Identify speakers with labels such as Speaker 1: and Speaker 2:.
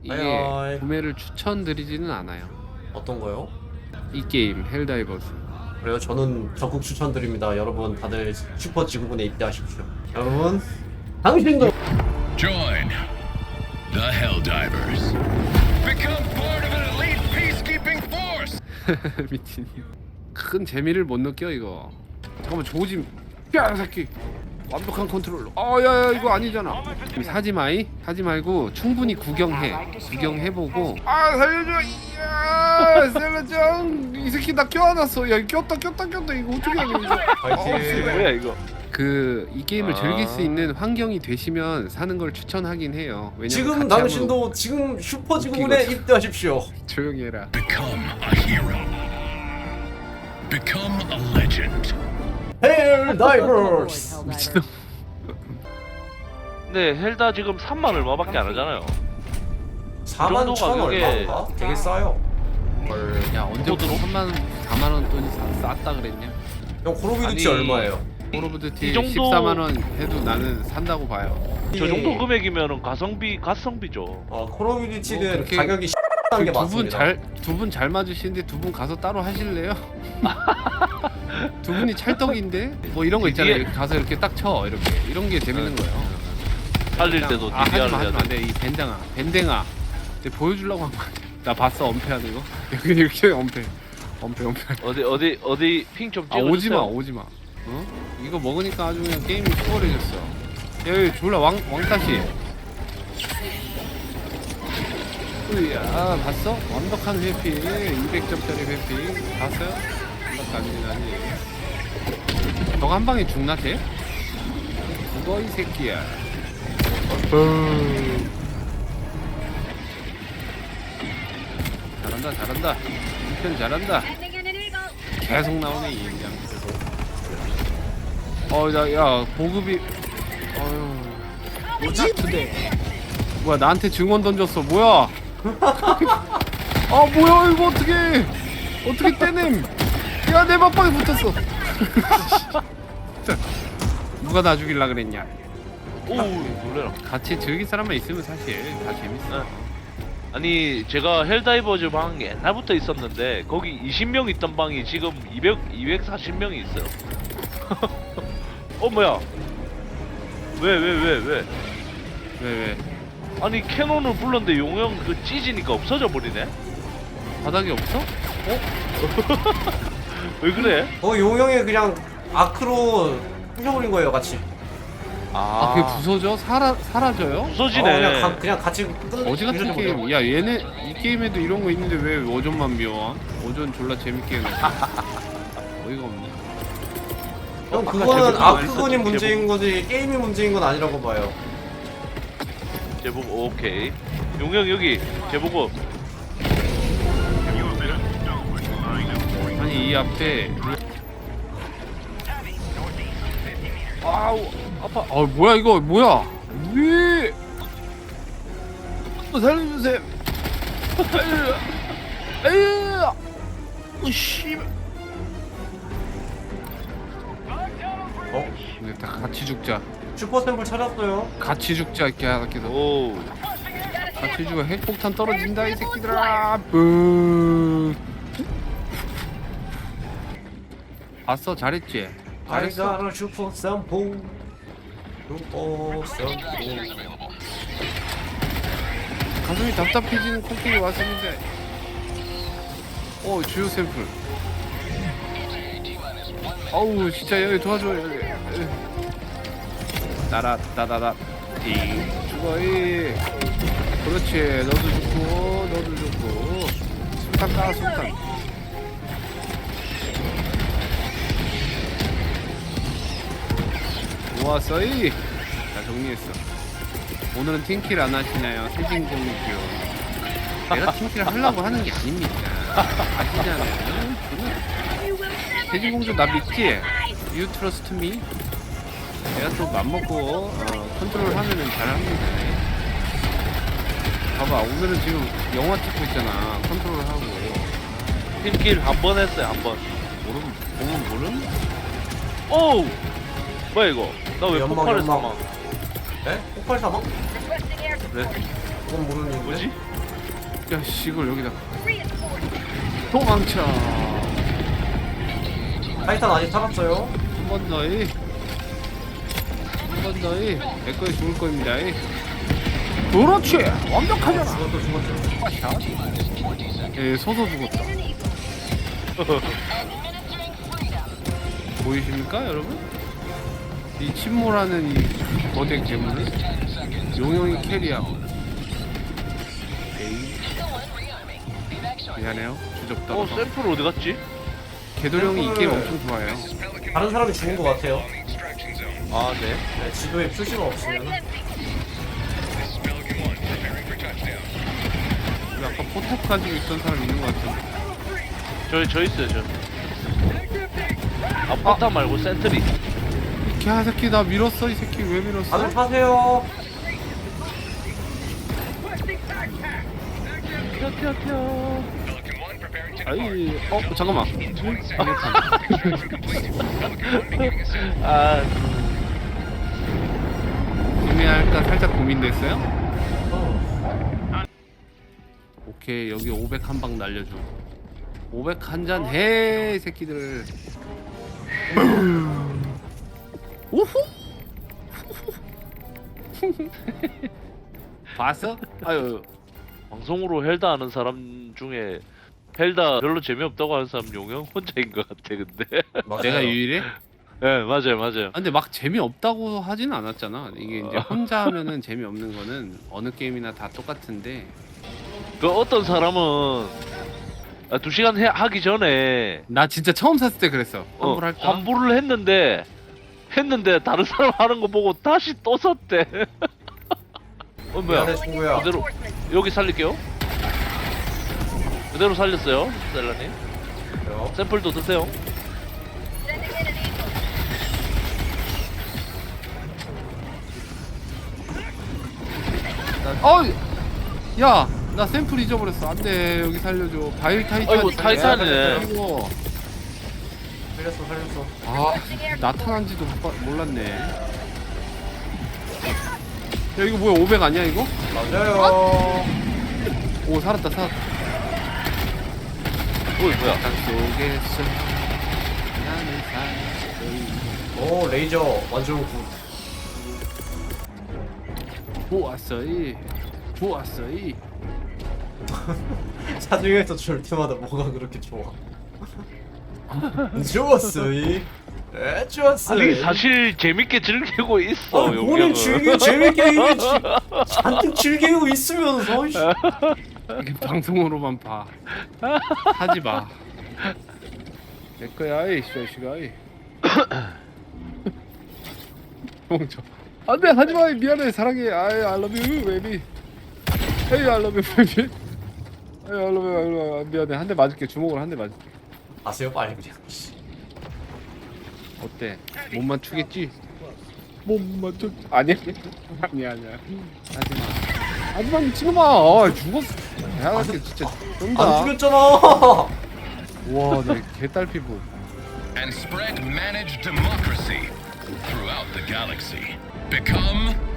Speaker 1: 이게
Speaker 2: 하이.
Speaker 1: 구매를 추천드리지는 않아요.
Speaker 2: 어떤 거요?
Speaker 1: 이 게임 헬다이버스.
Speaker 2: 그래요? 저는 적극 추천드립니다. 여러분 다들 슈퍼 지구군에 입대하십시오. 여러분 당신도
Speaker 3: Join the Helldivers. Become part of an elite peacekeeping force.
Speaker 1: 미친. 큰 재미를 못 느껴 이거. 잠깐만 조짐. 야 새끼. 완벽한 컨트롤로. 야야 이거 아니잖아. 사지 마이. 사지 말고 충분히 구경해. 구경해보고. 살려줘. 이야 살려줘. 이 새끼 나 껴안았어. 야 꼈다 이거 어떻게 해야 돼 이거.
Speaker 2: 파이팅.
Speaker 4: 뭐야 이거?
Speaker 1: 이 게임을 즐길 수 있는 환경이 되시면 사는 걸 추천하긴 해요. 왜냐면
Speaker 2: 지금
Speaker 1: 같이
Speaker 2: 당신도 지금 슈퍼 지구군에
Speaker 1: 웃기거든.
Speaker 2: 입대하십시오.
Speaker 1: 한번 조용히 해라.
Speaker 3: Become a hero. Become a legend.
Speaker 2: 헬다이버스.
Speaker 1: 미친놈.
Speaker 4: 근데 헬다 지금 3만 얼마밖에 안 하잖아요.
Speaker 2: 4만 천
Speaker 4: 가격에-
Speaker 2: 얼마인가? 되게 싸요.
Speaker 1: 야 언제부터 3만 4만 원 돈이 쌌다 그랬냐?
Speaker 2: 형 콜오브듀티
Speaker 4: 아니,
Speaker 2: 얼마예요?
Speaker 1: 콜오브듀티
Speaker 4: 이 정도-
Speaker 1: 14만 원 해도 나는 산다고 봐요.
Speaker 4: 저 정도 금액이면은 가성비죠.
Speaker 2: 콜오브듀티는
Speaker 1: 뭐 그렇게-
Speaker 2: 가격이 한 게 맞습니다.
Speaker 1: 두 분 잘 맞으시는데 두 분 가서 따로 하실래요? 두 분이 찰떡인데 뭐 이런 거 있잖아요.
Speaker 4: DDR
Speaker 1: 가서 이렇게 딱 쳐 이렇게 이런 게 재밌는 거예요.
Speaker 4: 살릴 때도 DDR을
Speaker 1: 하지마
Speaker 4: 해야 돼.
Speaker 1: 안돼 이 밴댕아 내가 보여주려고 한 거야. 나 봤어 엄폐하는 거. 여기 이렇게 엄폐.
Speaker 4: 어디 핑 좀
Speaker 1: 아
Speaker 4: 찍어주세요.
Speaker 1: 오지마. 어? 이거 먹으니까 아주 그냥 게임이 수월해졌어. 여기 졸라 왕따시. 으야 봤어? 완벽한 회피 200점짜리 회피 봤어요? 완벽하지. 너가 한 방에 죽나 쟤? 죽어 이 새끼야. 잘한다 이편 잘한다. 계속 나오네 이 인장. 야 보급이 뭐지? 뭐야 나한테 증원 던졌어 뭐야? 뭐야 이거 어떻게 떼냄? 야 내 맞방에 붙었어. 누가 나 죽일라 그랬냐?
Speaker 4: 오 놀래라.
Speaker 1: 같이 즐길 사람만 있으면 사실 다 재밌어.
Speaker 4: 아니 제가 헬다이버즈 방 옛날부터 있었는데 거기 20명 있던 방이 지금 240명이 있어요. 뭐야? 왜?
Speaker 1: 왜?
Speaker 4: 아니 캐논을 불렀는데 용형 그 찢으니까 없어져 버리네.
Speaker 1: 바닥이 없어?
Speaker 4: 왜 그래?
Speaker 2: 용형이 그냥 아크로 부셔버린 거예요, 같이.
Speaker 1: 그게 부서져? 사라져요?
Speaker 4: 부서지네.
Speaker 2: 그냥 같이
Speaker 1: 어지 같은
Speaker 2: 부셔버려.
Speaker 1: 게임. 야 얘네 이 게임에도 이런 거 있는데 왜 오전만 미워? 오전 졸라 재밌게 해놓고. 어이가 없네.
Speaker 2: 형
Speaker 4: 아까
Speaker 2: 그거는
Speaker 4: 제보고
Speaker 2: 아크건이
Speaker 4: 말했었지,
Speaker 2: 문제인 거지 게임이 문제인 건 아니라고 봐요.
Speaker 4: 제보고 오케이. 용형 여기 제보고.
Speaker 1: 아니 이 앞에
Speaker 4: 아우 아파.
Speaker 1: 뭐야 이거 뭐야? 왜? 살려주세요. 씨. 근데 다 같이 죽자.
Speaker 2: 슈퍼샘플 찾았어요.
Speaker 1: 같이 죽자 이렇게 하기도.
Speaker 4: 오.
Speaker 1: 같이 죽어. 핵폭탄 떨어진다 이 새끼들아. 뿌. 봤어 잘했지. 잘했어.
Speaker 2: 아이가라 슈퍼샘플.
Speaker 1: 가슴이 답답해지는 코끼리 왔었는데. 주요 샘플. 어우 진짜 여기 도와줘 여기. 따라따다다 띵 죽어이. 그렇지 너도 죽고 술탄 까 술탄. 모았어이. 다 정리했어. 오늘은 팀킬 안 하시나요? 세진공주. 내가 팀킬 하려고 하는 게 아닙니다. 아시잖아요. 세진공주 나 믿지? You trust me? 내가 또 맘먹고 컨트롤 하면은 잘합니다. 봐봐 오늘은 지금 영화 찍고 있잖아. 컨트롤 하고.
Speaker 4: 팀킬 한 번 했어요 한 번.
Speaker 1: 보면 모름?
Speaker 4: 오. 뭐야 이거? 나 왜
Speaker 2: 연막,
Speaker 4: 폭발을
Speaker 2: 연막.
Speaker 4: 사망?
Speaker 2: 네? 폭발 사망?
Speaker 4: 그래?
Speaker 2: 그건 모르는데.
Speaker 4: 뭐지?
Speaker 1: 야씨 이걸 여기다 도망쳐.
Speaker 2: 타이탄 아직 살았어요.
Speaker 1: 한 번 더이. 한 번 더이. 내 거에 죽을 겁니다. 이. 그렇지. 완벽하잖아.
Speaker 2: 죽었어 죽었어.
Speaker 1: 예, 서서 죽었다. 보이십니까, 여러분? 이 침몰하는 이 거대 괴물을 용용이 캐리하고. 에이. 미안해요. 주접다.
Speaker 4: 샘플 어디 갔지?
Speaker 1: 개도령이 이 게임 엄청 좋아해요.
Speaker 2: 다른 사람이 죽은 것 같아요.
Speaker 4: 아 네.
Speaker 2: 네, 지도에 표시가 없으면.
Speaker 1: 여기 아까 포탑 가지고 있던 사람 있는 것 같은데.
Speaker 4: 저 있어요 저. 아 포탑 말고 센트리.
Speaker 1: 이 개새끼 나 밀었어. 이 새끼 왜 밀었어?
Speaker 2: 다들 타세요.
Speaker 1: 아이, 잠깐만.
Speaker 4: 아
Speaker 1: 구매할까 살짝 고민됐어요? 오케이, 여기 500 한 방 날려줘. 500 한 잔 해, 이 새끼들. 우후! 봤어? 아유,
Speaker 4: 방송으로 헬다 하는 사람 중에 헬다 별로 재미없다고 하는 사람 용영 혼자인 것 같아 근데.
Speaker 2: 맞아요.
Speaker 1: 내가 유일해?
Speaker 4: 네 맞아요 맞아요.
Speaker 1: 아, 근데 막 재미없다고 하진 않았잖아. 이게 이제 혼자 하면은 재미없는 거는 어느 게임이나 다 똑같은데.
Speaker 4: 그 어떤 사람은 2시간 하기 전에
Speaker 1: 나 진짜 처음 샀을 때 그랬어. 환불할까?
Speaker 4: 환불을 했는데 다른 사람 하는 거 보고 다시 또 샀대. 뭐야?
Speaker 2: 미안해 친구야.
Speaker 4: 그대로 여기 살릴게요. 그대로 살렸어요, 셀라님.
Speaker 2: 그래요.
Speaker 4: 샘플도 드세요.
Speaker 1: 야, 나 샘플 잊어버렸어. 안돼, 여기 살려줘. 바일 타이탄.
Speaker 4: 아이고, 타이탄이네.
Speaker 1: 아이고.
Speaker 2: 살렸어.
Speaker 1: 아, 나타난지도 몰랐네. 야, 이거 뭐야? 500 아니야 이거?
Speaker 2: 맞아요.
Speaker 1: 오, 살았다.
Speaker 4: 뭐야?
Speaker 1: 땅 속에서 나는 살았어.
Speaker 2: 오 레이저 완전 굿.
Speaker 1: 좋았어이. 좋았어이.
Speaker 2: 사중에서 줄 때마다 뭐가 그렇게 좋아? 좋았어이. 에 좋았어이.
Speaker 4: 아니 사실 재밌게 즐기고 있어.
Speaker 2: 본인
Speaker 4: 용영은.
Speaker 2: 재밌게 이게 잔뜩 즐기고 있으면서 이씨.
Speaker 1: 이게 방송으로만 봐. 하지 마. 내 거야, 이 자식아. 이. 멍청. 안돼, 하지 마. 미안해, 사랑해. I love you, baby. Hey, I love you, baby. Hey, I love you. 미안해, 한 대 맞을게. 주먹으로 한 대 맞을게.
Speaker 2: 아세요 빨리 그냥. 씨.
Speaker 1: 어때? 못 맞추겠지? 못 맞췄. 아니야. 아니야. 하지 마. 하지 마, 미친놈아. 죽었어. 대학교 진짜 쩐다.
Speaker 2: 안 죽였잖아.
Speaker 1: 와, 내 개딸 피부.
Speaker 3: And spread managed democracy throughout the galaxy. Become